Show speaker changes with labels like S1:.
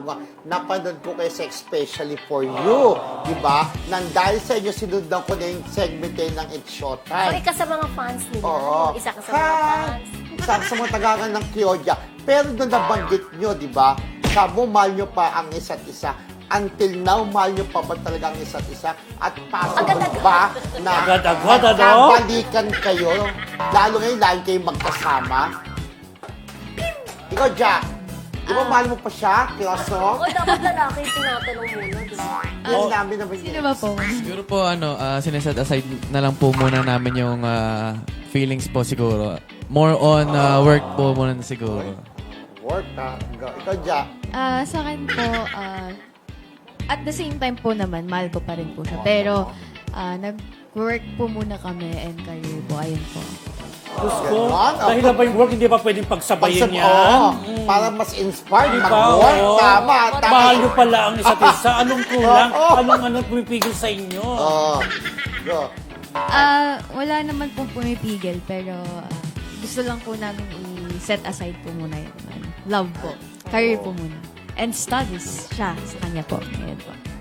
S1: nga, napanood ko kayo sa Especially for You. Diba? Nang dahil sa inyo, sinundan ko na yung segment kayo ng It's Showtime.
S2: Okay ka sa mga fans nila.
S1: Oo.
S2: Isa ka sa mga fans.
S1: Isa sa mga tagangan ng Kyoja. Pero nung nabanggit nyo, di ba? Sabi mo, mahal nyo pa ang isa't isa. Until now, mahal nyo pa ba talaga ang isa't isa? At possible ba na
S3: Agad-agad, ano?
S1: magkabalikan kayo? Lalo ngayon, lagi kayong magkasama? Ikaw, Jack. Di ba mahal mo pa siya, Kyoso?
S2: O dapat lalaki yung tinatanong muna, di ba?
S1: Yan namin naman
S4: Sino ba po?
S5: Siguro po, sineset aside na lang po muna namin yung feelings po siguro. More on work po muna siguro.
S1: Work, ha? Ikaw, Jack.
S4: Sa akin po, at the same time po naman, mahal ko pa rin po siya. Pero, nag-work po muna kami and career po. Ayun po.
S3: Diyos ko,
S1: Ganon,
S3: dahil na ba yung work, hindi ba pwedeng pagsabayin yan?
S1: Oo, para mas inspired,
S3: Diba?
S1: mag-work.
S3: Oo.
S1: Tama, tama.
S3: Mahal nyo pala ang isa't isa. Anong kulang?
S1: Oo.
S3: Anong pumipigil sa inyo?
S1: Oo. Go.
S4: Wala naman pong pumipigil, pero gusto lang po namin i-set aside po muna yung love po. Career po muna. And studies siya sa kanya po. Ngayon po.